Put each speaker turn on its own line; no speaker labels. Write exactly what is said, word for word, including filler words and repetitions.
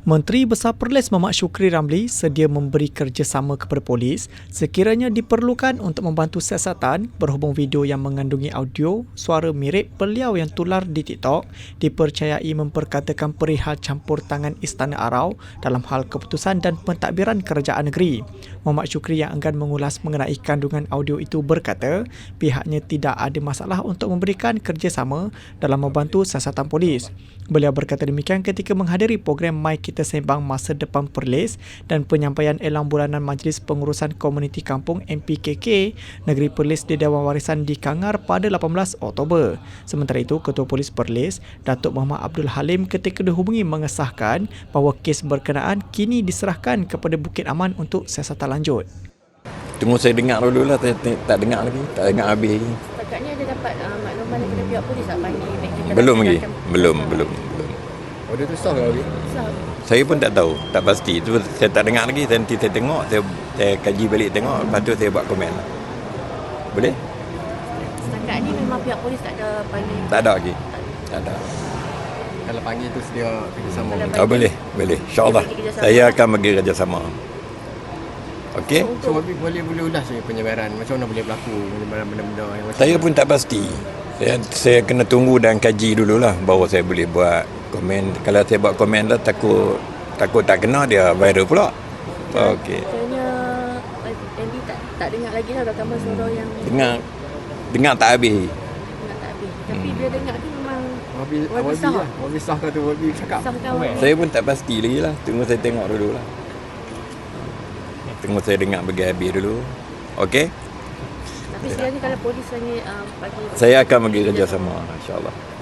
Menteri Besar Perlis Mamat Shukri Ramli sedia memberi kerjasama kepada polis sekiranya diperlukan untuk membantu siasatan berhubung video yang mengandungi audio suara mirip beliau yang tular di TikTok dipercayai memperkatakan perihal campur tangan Istana Arau dalam hal keputusan dan pentadbiran kerajaan negeri. Mamat Shukri yang enggan mengulas mengenai kandungan audio itu berkata pihaknya tidak ada masalah untuk memberikan kerjasama dalam membantu siasatan polis. Beliau berkata demikian ketika menghadiri program My Kita Sembang Masa Depan Perlis dan penyampaian elang bulanan Majlis Pengurusan Komuniti Kampung M P K K Negeri Perlis di Dewan Warisan di Kangar pada lapan belas Oktober. Sementara itu, Ketua Polis Perlis, Datuk Muhammad Abdul Halim ketika dihubungi mengesahkan bahawa kes berkenaan kini diserahkan kepada Bukit Aman untuk siasatan lanjut.
Tunggu saya dengar dulu lah, tak, tak dengar lagi, tak dengar habis lagi.
Setakat ada dapat uh, makluman daripada pihak polis tak panggil?
Belum lagi, belum, belum, belum.
Order tu sah ke lagi?
Sah.
Saya pun tak tahu, tak pasti. Itu saya tak dengar lagi, nanti saya tengok, saya, saya kaji balik tengok, lepas tu saya buat komen. Boleh?
Setakat ni memang pihak polis tak ada panggil?
Tak ada lagi, tak ada.
Kalau panggil tu sedia kerjasama.
Oh, boleh, boleh. InsyaAllah, saya akan bagi kerjasama. Okey?
So, Wabi boleh boleh ulas je penyebaran. Macam mana boleh berlaku penyebaran benda-benda yang macam
Saya pun tak pasti. Saya, saya kena tunggu dan kaji dululah baru saya boleh buat komen. Kalau saya buat komen lah, takut takut tak kena dia viral pula. Okey.
Katanya Andy tak, tak dengar lagi lah rakaman suara yang
Dengar, dengar tak habis.
dengar tak habis. Tapi dia dengar tu memang
Wabi
Wabi
Wabi
sah.
lah. Wabi sah kata Wabi cakap.
sah kawan.
Saya pun tak pasti lagi lah. Tunggu saya tengok dulu lah. Tunggu saya dengar bagi habis dulu. Okey?
Tapi sekarang ni kalau polis hanya uh, bagi
Saya akan bagi kerjasama, insyaAllah.